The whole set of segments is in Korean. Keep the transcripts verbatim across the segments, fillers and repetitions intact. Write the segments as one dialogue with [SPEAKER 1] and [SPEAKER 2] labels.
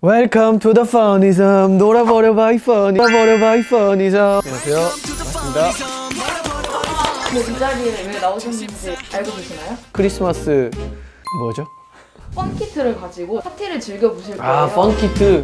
[SPEAKER 1] Welcome to the Funism. 놀아버려 by Funny. 놀아버려 by Funism. 안녕하세요. 반갑습니다.
[SPEAKER 2] 근데 이 자리에 왜 나오셨는지 알고 계시나요?
[SPEAKER 1] 크리스마스 뭐죠?
[SPEAKER 2] 펀키트를 가지고 파티를 즐겨보실 거예요.
[SPEAKER 1] 아, 펀키트.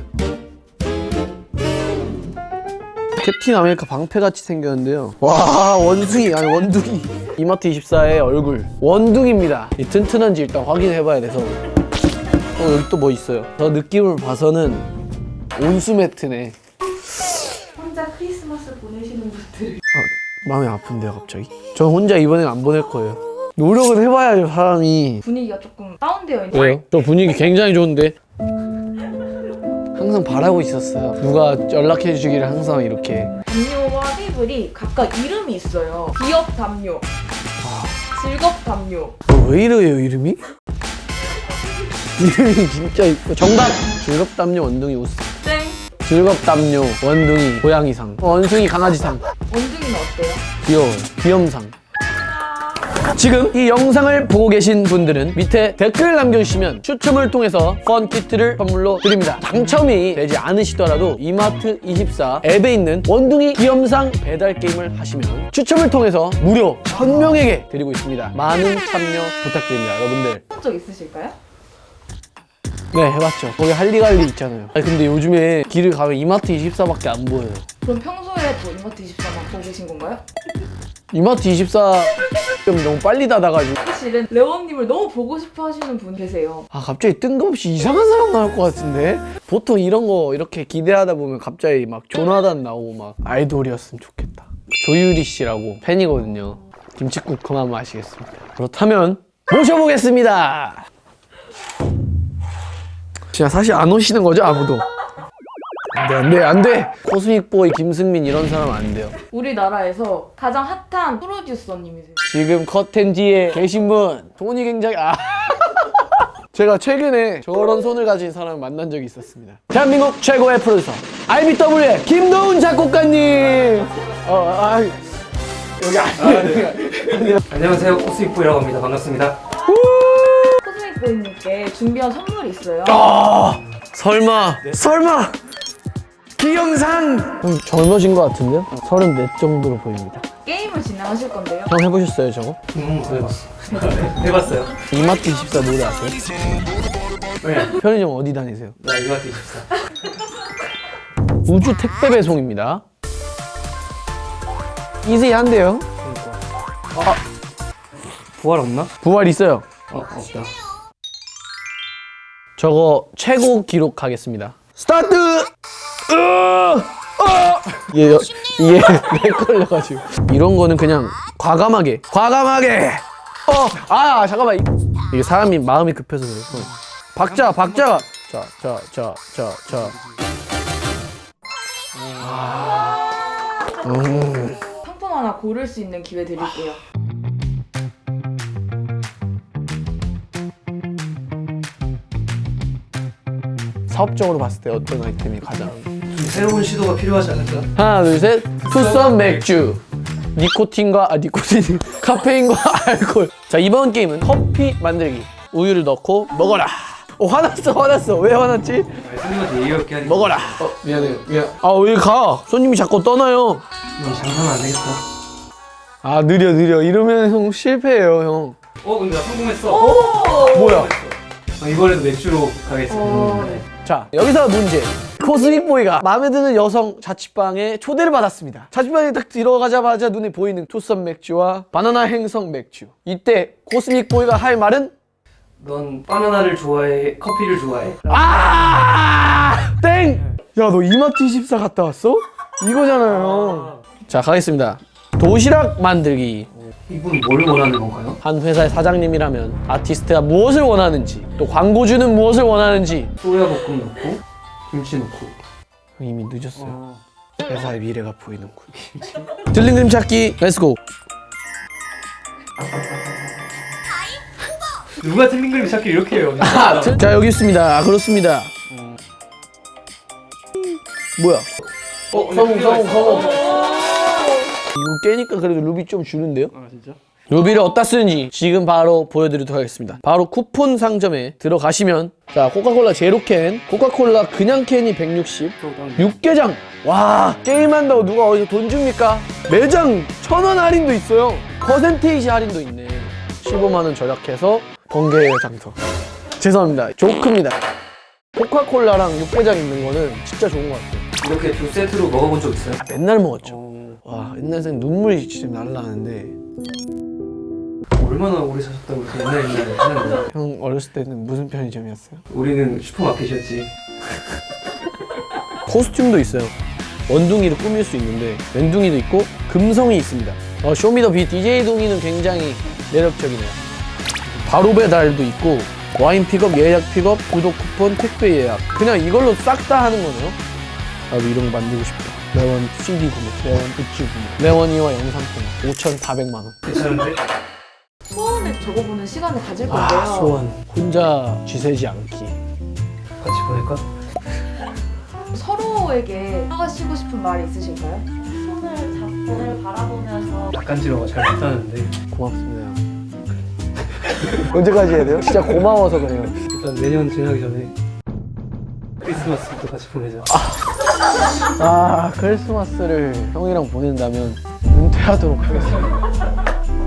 [SPEAKER 1] 캡틴 아메리카 방패같이 생겼는데요. 와, 원숭이 아니 원둥이. 이마트 이십사의 얼굴 원둥이입니다. 이 튼튼한지 일단 확인해봐야 돼서. 어, 여기 또 뭐 있어요. 저 느낌을 봐서는 온수 매트네.
[SPEAKER 2] 혼자 크리스마스 보내시는 분들
[SPEAKER 1] 아, 마음이 아픈데요 갑자기? 저 혼자 이번엔 안 보낼 거예요. 노력은 해봐야죠 사람이.
[SPEAKER 2] 분위기가 조금 다운되어 있는.
[SPEAKER 1] 왜요? 저 분위기 굉장히 좋은데? 항상 바라고 있었어요. 누가 연락해 주기를 항상 이렇게.
[SPEAKER 2] 담요와 테이블이 각각 이름이 있어요. 기업 담요, 즐겁 담요.
[SPEAKER 1] 어, 왜 이래요 이름이? 이름이 진짜 이뻐. 정답! 즐겁담요 원둥이 우스.
[SPEAKER 2] 땡!
[SPEAKER 1] 즐겁담요 원둥이 고양이상. 어, 원숭이 강아지상.
[SPEAKER 2] 원둥이는 어때요?
[SPEAKER 1] 귀여워요. 귀염상. 지금 이 영상을 보고 계신 분들은 밑에 댓글을 남겨주시면 추첨을 통해서 펀키트를 선물로 드립니다. 당첨이 되지 않으시더라도 이마트 이십사 앱에 있는 원둥이 귀염상 배달 게임을 하시면 추첨을 통해서 무료 천 명에게 드리고 있습니다. 많은 참여 부탁드립니다, 여러분들.
[SPEAKER 2] 해본 적 있으실까요?
[SPEAKER 1] 네, 해봤죠. 거기 할리갈리 있잖아요. 아니, 근데 요즘에 길을 가면 이마트 이십사밖에 안 보여요.
[SPEAKER 2] 그럼 평소에도 이마트 이십사만 보고 계신 건가요?
[SPEAKER 1] 이마트 이십사 좀 너무 빨리 닫아가지고.
[SPEAKER 2] 사실은 레원님을 너무 보고 싶어 하시는 분 계세요.
[SPEAKER 1] 아, 갑자기 뜬금없이 이상한 사람 나올 것 같은데? 보통 이런 거 이렇게 기대하다 보면 갑자기 막 조나단 나오고 막 아이돌이었으면 좋겠다. 조유리 씨라고 팬이거든요. 김칫국 그만 마시겠습니다. 그렇다면 모셔보겠습니다. 진짜 사실 안 오시는 거죠, 아무도? 안 돼, 안 돼, 안 돼! 코스믹보이 김승민 이런 사람 안 돼요.
[SPEAKER 2] 우리나라에서 가장 핫한 프로듀서님이세요.
[SPEAKER 1] 지금 커튼 뒤에 계신 분, 손이 굉장히, 아. 제가 최근에 저런 손을 가진 사람을 만난 적이 있었습니다. 대한민국 최고의 프로듀서, 아이비더블유의 김도훈 작곡가님! 어, 아, 여기 아니에요. 아니에요.
[SPEAKER 3] 안녕하세요, 코스믹보이라고 합니다. 반갑습니다.
[SPEAKER 2] 코스믹보이님께 준비한 선물이 있어요.
[SPEAKER 1] 아, 설마, 설마! 기영상! 형 젊어진 것 같은데요? 서른넷 정도로 보입니다.
[SPEAKER 2] 게임을 진행하실 건데요.
[SPEAKER 1] 형 해보셨어요, 저거?
[SPEAKER 3] 음, 해봤어. 해봤어요.
[SPEAKER 1] 이마트 이십사 노래 아세요?
[SPEAKER 3] 네.
[SPEAKER 1] 편의점 어디 다니세요?
[SPEAKER 3] 나 이마트 이십사.
[SPEAKER 1] 우주 택배 배송입니다. 이지한데요?
[SPEAKER 3] 아, 부활 없나?
[SPEAKER 1] 부활 있어요.
[SPEAKER 3] 어, 없다.
[SPEAKER 1] 저거 최고 기록 하겠습니다. 스타트! 으! 어! 이게, 여- 이게 렉 걸려가지고. 이런 거는 그냥 과감하게, 과감하게! 어! 아, 잠깐만. 이- 이게 사람이 마음이 급해서 그래요. 어. 박자, 박자! 자, 자, 자, 자, 자. 음.
[SPEAKER 2] 상품 하나 고를 수 있는 기회 드릴게요.
[SPEAKER 1] 사업적으로 봤을 때 어떤 아이템이 가장.
[SPEAKER 3] 좀 새로운 시도가 필요하지 않을까?
[SPEAKER 1] 하나, 둘, 셋. 투썸 맥주. 니코틴과, 아, 니코틴. 카페인과 알코올. 자, 이번 게임은 커피 만들기. 우유를 넣고 먹어라. 어, 화났어, 화났어. 왜 화났지?
[SPEAKER 3] 아, 손님한테 예의 없게 하니까.
[SPEAKER 1] 먹어라. 어, 미안해요. 미안. 아, 왜 가? 손님이 자꾸 떠나요.
[SPEAKER 3] 넌 장사는 안 되겠다.
[SPEAKER 1] 아, 느려, 느려. 이러면 형 실패해요, 형.
[SPEAKER 3] 어, 근데 나 성공했어.
[SPEAKER 1] 뭐야?
[SPEAKER 3] 아, 이번에도 맥주로 가겠습니다.
[SPEAKER 2] 어, 네.
[SPEAKER 1] 자, 여기서 문제. 코스믹보이가 마음에 드는 여성 자취방에 초대를 받았습니다. 자취방에 딱 들어가자마자 눈에 보이는 투썸 맥주와 바나나 행성 맥주. 이때 코스믹보이가 할 말은?
[SPEAKER 3] 넌 바나나를 좋아해? 커피를 좋아해?
[SPEAKER 1] 아! 땡! 야, 너 이마트 이십사 갔다 왔어? 이거잖아요. 자, 가겠습니다. 도시락 만들기.
[SPEAKER 3] 이분 뭘 원하는 건가요?
[SPEAKER 1] 한 회사의 사장님이라면 아티스트가 무엇을 원하는지, 또 광고주는 무엇을 원하는지.
[SPEAKER 3] 소야볶음 넣고 김치 넣고.
[SPEAKER 1] 이미 늦었어요.
[SPEAKER 3] 어.
[SPEAKER 1] 회사의 미래가 보이는군. 들린 그림 찾기, 렛츠고.
[SPEAKER 3] 누가 틀린 그림 찾기 이렇게 해요?
[SPEAKER 1] 아, 자, 자, 여기 있습니다. 아, 그렇습니다. 뭐야?
[SPEAKER 3] 어,
[SPEAKER 1] 성공, 성공, 성공. 이거 깨니까 그래도 루비 좀 주는데요?
[SPEAKER 3] 아, 진짜?
[SPEAKER 1] 루비를 어디다 쓰는지 지금 바로 보여드리도록 하겠습니다. 바로 쿠폰 상점에 들어가시면 자 코카콜라 제로캔, 코카콜라 그냥 캔이 백육십, 육개장. 와 게임한다고 누가 어디서 돈 줍니까? 매장 천 원 할인도 있어요. 퍼센테이지 할인도 있네. 십오만 원 절약해서 번개의 장터. 죄송합니다. 조크입니다. 코카콜라랑 육개장 있는 거는 진짜 좋은 것 같아요.
[SPEAKER 3] 이렇게 두 세트로 먹어본 적 있어요?
[SPEAKER 1] 아, 맨날 먹었죠.
[SPEAKER 3] 어...
[SPEAKER 1] 와 옛날 생 눈물이 지금 날라가는데
[SPEAKER 3] 얼마나 오래 사셨다고 그렇게 옛날 옛날에 하는 거야?
[SPEAKER 1] 형 어렸을 때는 무슨 편의점이었어요?
[SPEAKER 3] 우리는 슈퍼마켓이었지.
[SPEAKER 1] 코스튬도 있어요. 원둥이를 꾸밀 수 있는데 왼둥이도 있고 금성이 있습니다. 어, 쇼미더비 디제이 동이는 굉장히 매력적이네요. 바로 배달도 있고 와인 픽업, 예약 픽업, 구독 쿠폰, 택배 예약. 그냥 이걸로 싹 다 하는 거네요. 나도 이런 거 만들고 싶다. 매원 씨디 구매, 매원 굿즈 구매, 매원이와 영상 통화 오천사백만 원.
[SPEAKER 3] 괜찮은데?
[SPEAKER 2] 소원을 적어보는 시간을 가질 건데요.
[SPEAKER 1] 아 소원. 혼자 쥐세지 않기.
[SPEAKER 3] 같이 보낼까?
[SPEAKER 2] 서로에게 하시고 싶은 말이 있으실까요?
[SPEAKER 4] 손을 잡고 바라보면서
[SPEAKER 3] 낯간지러워 잘 못하는데
[SPEAKER 1] 고맙습니다. 언제까지 해야 돼요? 진짜 고마워서 그래요.
[SPEAKER 3] 일단 내년 지나기 전에 크리스마스부터 같이 보내자.
[SPEAKER 1] 아 크리스마스를 형이랑 보낸다면 은퇴하도록 하겠습니다.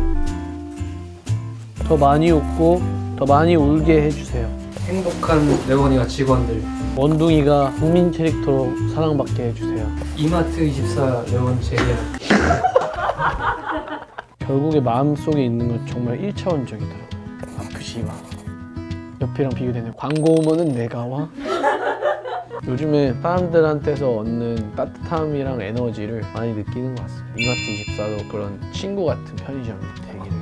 [SPEAKER 1] 더 많이 웃고 더 많이 울게 해주세요.
[SPEAKER 3] 행복한 레원이와 직원들.
[SPEAKER 1] 원둥이가 국민 캐릭터로 사랑받게 해주세요.
[SPEAKER 3] 이마트 이십사 레원 제이야.
[SPEAKER 1] 결국에 마음속에 있는 건 정말 일차원적이더라고요. 아프지 마. 옆이랑 비교되네. 광고 오면은 내가 와? 요즘에 사람들한테서 얻는 따뜻함이랑 에너지를 많이 느끼는 것 같습니다. 이마트 이십사도 그런 친구 같은 편의점이 되기를.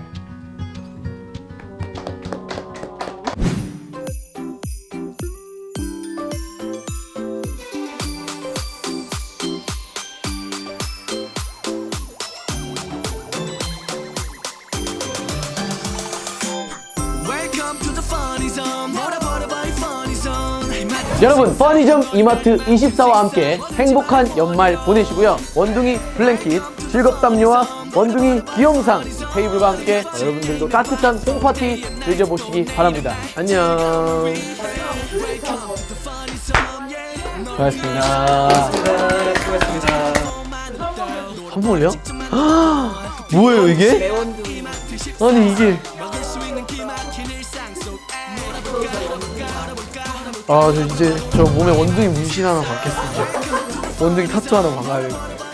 [SPEAKER 1] 여러분 퍼니점 이마트 이십사와 함께 행복한 연말 보내시고요. 원둥이 블랭킷, 즐겁담요와 원둥이 귀염상 테이블과 함께 여러분들도 따뜻한 홈파티 즐겨보시기 바랍니다. 안녕. 고맙습니다.
[SPEAKER 3] 수고하셨습니다.
[SPEAKER 1] 한 번 올려? 뭐예요 이게?
[SPEAKER 2] 매원둥이.
[SPEAKER 1] 아니 이게 아 저 이제 저 몸에 원둥이 문신 하나 받겠습니다. 원둥이 타투 하나 박아야겠다.